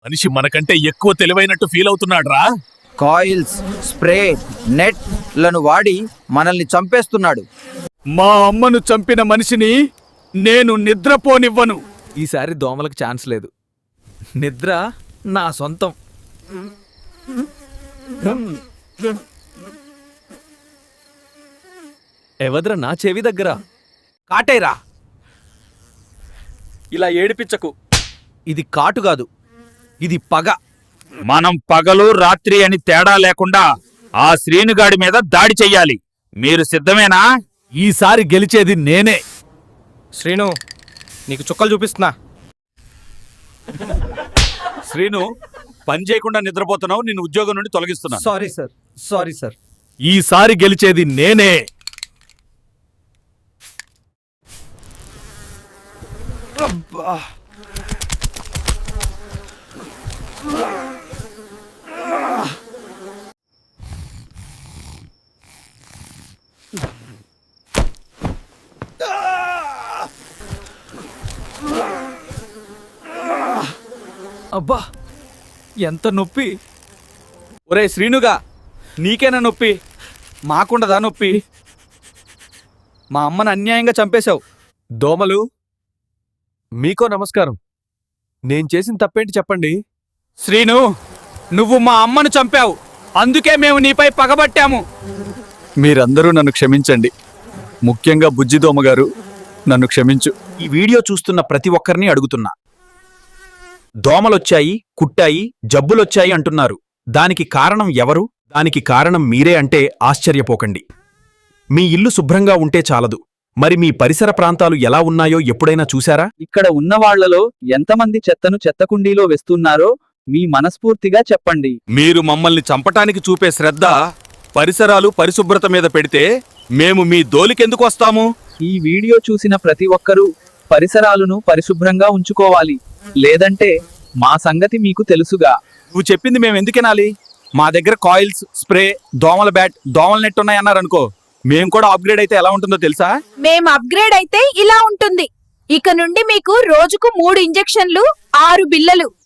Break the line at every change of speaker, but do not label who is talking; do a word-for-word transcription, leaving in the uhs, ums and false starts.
మనిషి మనకంటే ఎక్కువ తెలివైనట్టు ఫీల్ అవుతున్నాడ్రా.
కాయిల్స్, స్ప్రే, నెట్ లను వాడి మనల్ని చంపేస్తున్నాడు.
మా అమ్మను చంపిన మనిషిని నేను నిద్రపోనివ్వను.
ఈసారి దోమలకు ఛాన్స్ లేదు. నిద్ర నా సొంతం. ఎవద్ర నా చెవి దగ్గర
కాటేరా.
ఇలా ఏడిపించకు. ఇది కాటు కాదు, ఇది పగ.
మనం పగలు రాత్రి అని తేడా లేకుండా ఆ శ్రీనుగాడి మీద దాడి చెయ్యాలి. మీరు సిద్ధమేనా?
ఈసారి గెలిచేది నేనే.
శ్రీను, నీకు చుక్కలు చూపిస్తున్నా.
శ్రీను, పని చేయకుండా నిద్రపోతున్నావు. నిన్ను ఉద్యోగం నుండి తొలగిస్తున్నా.
Sorry sir, sorry sir.
ఈసారి గెలిచేది నేనే.
అబ్బా, ఎంత నొప్పి! ఒరే శ్రీనుగా, నీకేనా నొప్పి? మాకుండదా నొప్పి? మా అమ్మను అన్యాయంగా చంపేశావు.
దోమలు, మీకో నమస్కారం. నేను చేసిన తప్పేంటి చెప్పండి.
శ్రీను, నువ్వు మా అమ్మను చంపావు. అందుకే మేము నీపై పగబట్టాము.
మీరందరూ నన్ను క్షమించండి. ముఖ్యంగా బుజ్జిదోమ గారు, నన్ను క్షమించు.
ఈ వీడియో చూస్తున్న ప్రతి ఒక్కరిని అడుగుతున్నా, దోమలొచ్చాయి, కుట్టాయి, జబ్బులొచ్చాయి అంటున్నారు. దానికి కారణం ఎవరు? దానికి కారణం మీరే అంటే ఆశ్చర్యపోకండి. మీ ఇల్లు శుభ్రంగా ఉంటే చాలదు, మరి మీ పరిసర ప్రాంతాలు ఎలా ఉన్నాయో ఎప్పుడైనా చూశారా?
ఇక్కడ ఉన్న వాళ్లలో ఎంతమంది చెత్తను చెత్తకుండీలో వేస్తున్నారో మీ మనస్ఫూర్తిగా చెప్పండి.
మీరు మమ్మల్ని చంపటానికి చూపే శ్రద్ధ పరిసరాలు పరిశుభ్రత మీద పెడితే మేము మీ దోలికెందుకు వస్తాము?
ఈ వీడియో చూసిన ప్రతి ఒక్కరూ పరిసరాలను పరిశుభ్రంగా ఉంచుకోవాలి, లేదంటే మా సంగతి మీకు తెలుసుగా.
నువ్వు చెప్పింది మేము ఎందుకెనాలి? మా దగ్గర కాయిల్స్, స్ప్రే, దోమల బ్యాట్, దోమల నెట్ ఉన్నాయన్నారనుకో, మేం కూడా అప్గ్రేడ్ అయితే ఎలా ఉంటుందో తెలుసా?
మేం అప్గ్రేడ్ అయితే ఇలా ఉంటుంది. ఇక నుండి మీకు రోజుకు మూడు ఇంజెక్షన్లు, ఆరు బిల్లలు.